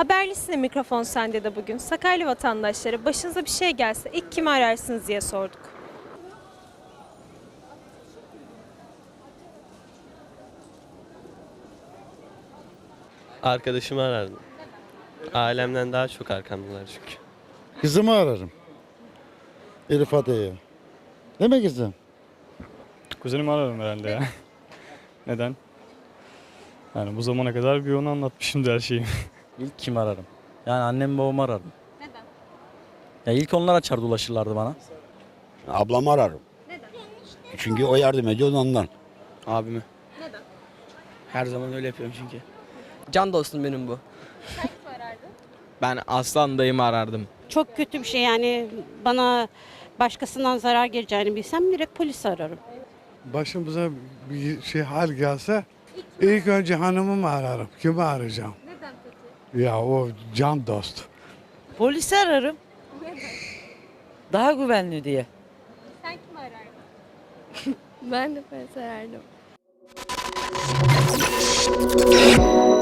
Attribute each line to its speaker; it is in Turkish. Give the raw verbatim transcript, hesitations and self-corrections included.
Speaker 1: Haberlisine mikrofon sende de bugün. Sakarya vatandaşları başınıza bir şey gelse ilk kimi ararsınız diye sorduk.
Speaker 2: Arkadaşımı arardım. Ailemden daha çok arkamdalar çünkü.
Speaker 3: Kızımı ararım. Elif Ade'ye. Değil mi kızım?
Speaker 4: Kuzenimi ararım herhalde ya. Neden? Yani bu zamana kadar bir onu anlatmışımdır her şeyi.
Speaker 5: İlk kim ararım? Yani annem babamı ararım. Neden? Ya ilk onlar açar ulaşırlardı bana.
Speaker 6: Ablamı ararım.
Speaker 1: Neden?
Speaker 6: Çünkü o yardım ediyor ondan.
Speaker 7: Abimi.
Speaker 1: Neden?
Speaker 7: Her zaman öyle yapıyorum çünkü. Can dostum benim bu.
Speaker 1: Sen kimi arardın?
Speaker 7: Ben Aslan dayımı arardım.
Speaker 8: Çok kötü bir şey yani bana başkasından zarar geleceğini bilsem direkt polisi ararım.
Speaker 9: Başımıza bir şey hal gelse ilk önce hanımımı ararım. Kimi arayacağım?
Speaker 1: Neden peki?
Speaker 9: Ya o can dost.
Speaker 10: Polisi ararım. Daha güvenli diye.
Speaker 1: Sen kimi arardın?
Speaker 11: Ben de polis arardım.